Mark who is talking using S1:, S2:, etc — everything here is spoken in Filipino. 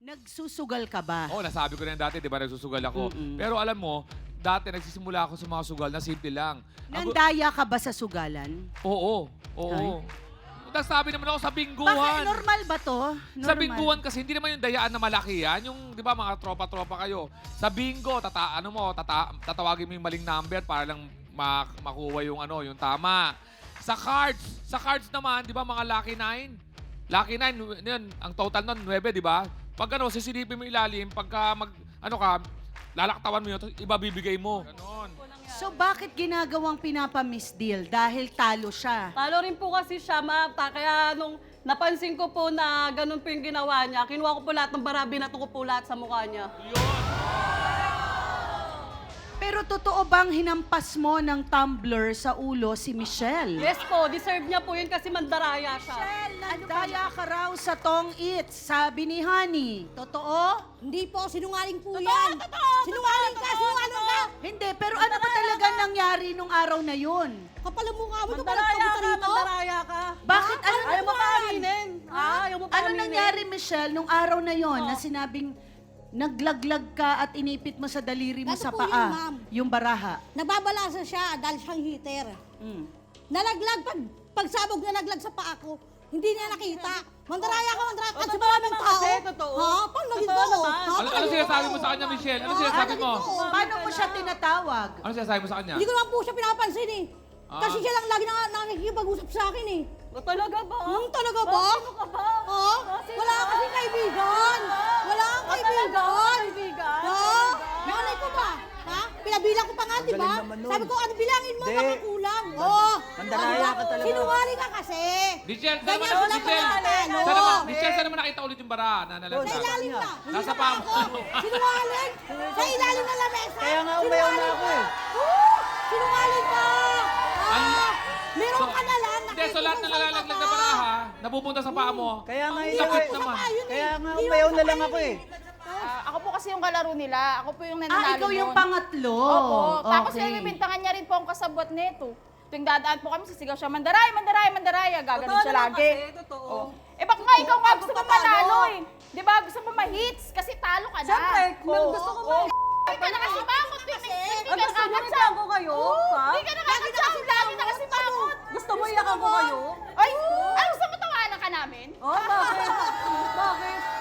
S1: Nagsusugal ka ba?
S2: Oo, nasabi ko na yan dati, di ba, nagsusugal ako. Pero alam mo, dati nagsisimula ako sa mga sugal na simple lang.
S1: Nandaya ka ba sa sugalan?
S2: Oo, oo. Nasabi naman ako sa
S1: Bakit?
S2: bingguhan.
S1: Normal ba to? Normal.
S2: Sa bingguhan kasi, hindi naman yung dayaan na malaki yan. Yung, di ba, mga tropa-tropa kayo. Sa bingo, tatawagin mo yung maling number para lang makuha yung, yung tama. Sa cards naman, di ba, mga Lucky 9? Lucky 9, yun, ang total nun, 9, di ba? Pag sisilipin mo ilalim, pagka lalaktawan mo yun, iba bibigay mo. Ganon.
S1: So bakit ginagawang pinapa-misdeal? Dahil talo siya.
S3: Talo rin po kasi siya, ma'am. Kaya nung napansin ko po na ganun po yung ginawa niya, kinuha ko po lahat ng bara, binato ko po lahat sa mukha niya.
S1: Pero totoo bang hinampas mo ng tumbler sa ulo si Michelle?
S3: Yes po, deserve niya po yun kasi mandaraya siya.
S1: Michelle, nandaya ka raw sa Tong Eats, sabi ni Honey. Totoo?
S4: Hindi po, sinungaling po
S3: Totoo,
S4: yan.
S3: totoo,
S4: Sinungaling ka, sinungaling ka.
S1: Hindi, pero ano ba talaga nangyari nung araw na yun?
S4: Kapal ang mukha mo, ito
S3: Mandaraya ka,
S4: rito.
S3: mandaraya ka.
S1: Bakit? Ano,
S3: Ayaw mo pa aminin. Ayaw mo pa
S1: ano
S3: aminin.
S1: nangyari, Michelle, nung araw na yon na sinabing naglaglag ka at inipit mo sa daliri mo
S4: Ito
S1: sa
S4: po yun,
S1: paa?
S4: ma'am.
S1: Yung baraha.
S4: Nagbabalasa siya dahil siyang heater.
S1: Mm.
S4: Nalaglag, pagsabog nalaglag sa paa ko. Hindi niya nakita. Mandaraya ka, mandaraya ka. Sa
S3: Totoo
S4: maraming
S3: naman
S4: tao.
S3: kasi, totoo.
S4: Ha? Paano naging
S3: Totoo
S4: totoo?
S3: naman.
S2: Ano sinasabi mo sa kanya, Michelle? Ano sinasabi mo?
S1: Paano mo siya tinatawag?
S2: Ano sinasabi mo sa kanya?
S4: Hindi ko naman po siya pinapansin eh.
S2: Ah.
S4: Kasi siya lang lagi nakikipag-usap sa akin eh.
S3: Talaga ba?
S4: Talaga ba?
S3: Sino ka ba?
S4: Ha?
S3: Sino
S4: Wala
S3: ka?
S4: kasi kaibigan. Wala kang kaibigan.
S3: Kaibigan?
S4: Ha? Nanay ko ba? Ha? Pinabilang ko pa nga, di ba? Sabi ko, ano bilangin mo?
S5: Di.
S4: Baka kulang. Oo.
S5: Mandaraya ka talaga.
S4: Sinungaling ka kasi.
S2: Michelle, saan
S4: Ganyan
S2: naman,
S4: sila pangatalo.
S2: Michelle, saan naman nakita ulit yung bara na
S4: Sa
S2: nalaglag?
S4: ilalim na. Hindi
S2: Nasa
S4: na
S2: paa
S4: ako.
S2: mo.
S4: Sinungaling. Sa ilalim na lamesa.
S5: Kaya nga umayaw na ako eh.
S4: Sinungaling ka. Ah, meron
S2: So,
S4: ka na lang.
S2: Hindi, so lahat na nalalaglag na baraha, napupunta sa paa mo.
S5: Kaya nga
S4: Hindi
S2: Sakit
S4: naman.
S2: naman.
S5: Kaya nga umayaw na lang ako eh.
S6: Ako po kasi yung kalaro nila. Ako po yung nananalo
S1: Ikaw yung
S6: nun.
S1: pangatlo.
S6: Opo. Tapos
S1: Okay.
S6: binibintangan niya rin po ang kasabwat nito. Tuwing dadaan po kami, sisigaw siya, Mandaray, Mandaray, Mandaraya. Gaganon
S3: Totoo
S6: siya
S3: naman
S6: lagi.
S3: kasi, totoo.
S6: Eh baka nga ikaw nga gusto mo
S3: Ako patalo.
S6: manalo eh. Di ba? Gusto mo ma-hits kasi talo ka na.
S3: Siyempre, gusto ko ba?
S6: Hindi ka na kasi bangot. Hindi
S3: Ang
S6: ka
S3: gusto mo
S6: nakakatsam.
S3: iyakan ko kayo? Ha?
S6: Hindi ka nakakatsam. Lagi na kasi bangot.
S3: Gusto mo iyakan ko kayo?
S6: Ay, ano gusto mo tawanan ka namin?
S3: Oh, bakit? Bakit?